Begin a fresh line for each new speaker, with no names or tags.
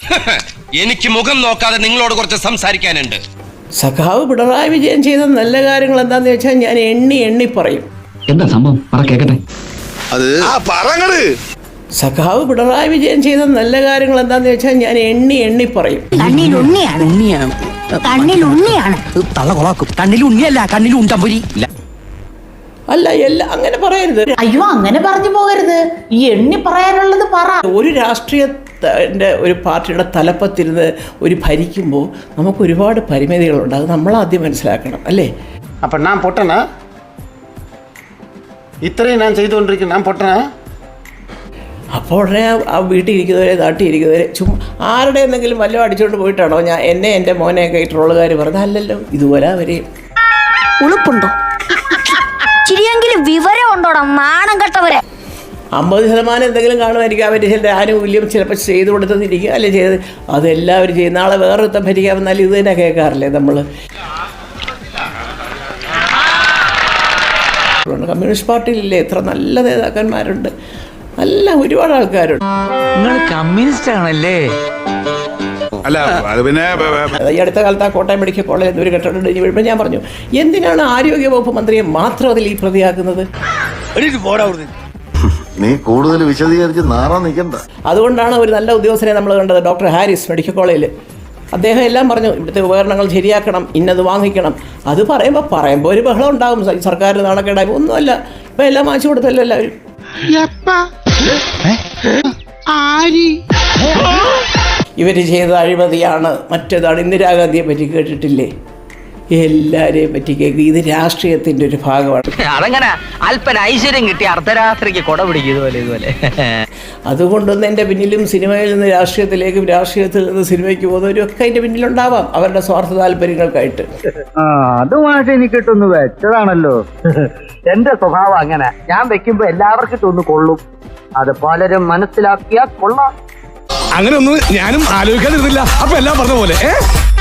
എനിക്ക് മുഖം നോക്കാതെ നിങ്ങളോട് കുറച്ച് സംസാരിക്കാനുണ്ട്.
സഖാവ് പിണറായി വിജയൻ ചെയ്ത നല്ല കാര്യങ്ങൾ എന്താന്ന് വെച്ചാൽ ഞാൻ എണ്ണി പറയും.
എന്താ സംഭവം കേക്കട്ടെ.
സഖാവ് പിണറായി വിജയൻ ചെയ്ത നല്ല കാര്യങ്ങൾ എന്താന്ന് വെച്ചാൽ ഞാൻ എണ്ണി പറയും. അല്ല എല്ലാം അങ്ങനെ പറയരുത്.
അയ്യോ, അങ്ങനെ പറഞ്ഞു പോകരുത്. ഈ എണ്ണി പറയാനുള്ളത് പറ.
ഒരു രാഷ്ട്രീയത്തിൻ്റെ ഒരു പാർട്ടിയുടെ തലപ്പത്തിരുന്ന് ഒരു ഭരിക്കുമ്പോൾ നമുക്ക് ഒരുപാട് പരിമിതികളുണ്ട്. അത് നമ്മളാദ്യം മനസ്സിലാക്കണം, അല്ലേ?
അപ്പം ഞാൻ പൊട്ടനാ? ഇത്രയും ഞാൻ ചെയ്തുകൊണ്ടിരിക്കുന്നു, ഞാൻ പൊട്ടനാ?
അപ്പോൾ ഉടനെ ആ വീട്ടിലിരിക്കുന്നവരെ നാട്ടിലിരിക്കുന്നവരെ ആരുടെ എന്തെങ്കിലും വല്ലതും അടിച്ചുകൊണ്ട് പോയിട്ടാണോ ഞാൻ എൻ്റെ മോനെയൊക്കെ ഈ ട്രോളുകാർ പറഞ്ഞത്? അല്ലല്ലോ. ഇതുപോലെ അവരെയും
ഉളുപ്പുണ്ടോ? ചിരിയെങ്കിലും വിവരം ഉണ്ടോടാ നാണം കെട്ടവരെ.
50% എന്തെങ്കിലും കാണുമായിരിക്കും. അവർ ചില ആനുകൂല്യം ചിലപ്പോൾ ചെയ്തു കൊടുത്തെന്നിരിക്കുക, അല്ലെ ചെയ്ത് അതെല്ലാവരും ചെയ്യും. നാളെ വേറൊരുത്തം ഭരിക്കാൻ വന്നാലും ഇത് തന്നെ കേൾക്കാറില്ലേ നമ്മൾ? കമ്മ്യൂണിസ്റ്റ് പാർട്ടിയിലില്ലേ എത്ര നല്ല നേതാക്കന്മാരുണ്ട്, നല്ല ഒരുപാട് ആൾക്കാരുണ്ട്.
നിങ്ങൾ കമ്മ്യൂണിസ്റ്റ് ആണല്ലേ?
അല്ല അത് പിന്നെ
ഈ അടുത്ത കാലത്ത് ആ കോട്ടയം മെഡിക്കൽ കോളേജിൽ ഒരു കെട്ടിടം ഇടിഞ്ഞ് വീഴുമ്പോൾ ഞാൻ പറഞ്ഞു, എന്തിനാണ് ആരോഗ്യ വകുപ്പ് മന്ത്രിയെ മാത്രം അതിൽ ഈ പ്രതിയാക്കുന്നത്?
നീ കൂടുതൽ വിശദീകരിച്ച് നാറാൻ നിൽക്കണ്ട.
അതുകൊണ്ടാണ് ഒരു നല്ല ഉദ്യോഗസ്ഥനെ നമ്മൾ കണ്ടത്, ഡോക്ടർ ഹാരിസ് മെഡിക്കൽ കോളേജിൽ. അദ്ദേഹം എല്ലാം പറഞ്ഞു, ഇവിടുത്തെ ഉപകരണങ്ങൾ ശരിയാക്കണം, ഇന്നത് വാങ്ങിക്കണം. അത് പറയുമ്പോൾ ഒരു ബഹളം ഉണ്ടാകും, സർക്കാർ നാണക്കേടായി. ഒന്നുമല്ല, ഇപ്പം എല്ലാം വാങ്ങിച്ചു കൊടുത്തല്ലോ എല്ലാവരും. ഇവർ ചെയ്ത അഴിമതിയാണ്, മറ്റേതാണ്. ഇന്ദിരാഗാന്ധിയെ പറ്റി കേട്ടിട്ടില്ലേ? എല്ലാരെയും പറ്റി കേൾക്കും. ഇത് രാഷ്ട്രീയത്തിന്റെ ഒരു ഭാഗമാണ്.
അതങ്ങനെ അല്പന ഐശ്വര്യം കിട്ടി അർദ്ധരാത്രിക്ക് കൊട പിടിക്കും ഇതുപോലെ.
അതുകൊണ്ടൊന്നും എൻ്റെ പിന്നിലും സിനിമയിൽ നിന്ന് രാഷ്ട്രീയത്തിലേക്കും രാഷ്ട്രീയത്തിൽ നിന്ന് സിനിമയ്ക്ക് പോകുന്നവരും ഒക്കെ അതിൻ്റെ പിന്നിലുണ്ടാവാം, അവരുടെ സ്വാർത്ഥ താല്പര്യങ്ങൾക്കായിട്ട്.
അതുമായിട്ട് എനിക്ക് ഇട്ടൊന്ന് വെച്ചതാണല്ലോ. എന്റെ സ്വഭാവം അങ്ങനെ, ഞാൻ വെക്കുമ്പോ എല്ലാവർക്കും ഇട്ടൊന്ന് കൊള്ളും. അത് പലരും മനസ്സിലാക്കിയാൽ കൊള്ളാം.
അങ്ങനെ ഒന്നും ഞാനും ആലോചിക്കാതിരുന്നില്ല. അപ്പൊ എല്ലാം പറഞ്ഞ പോലെ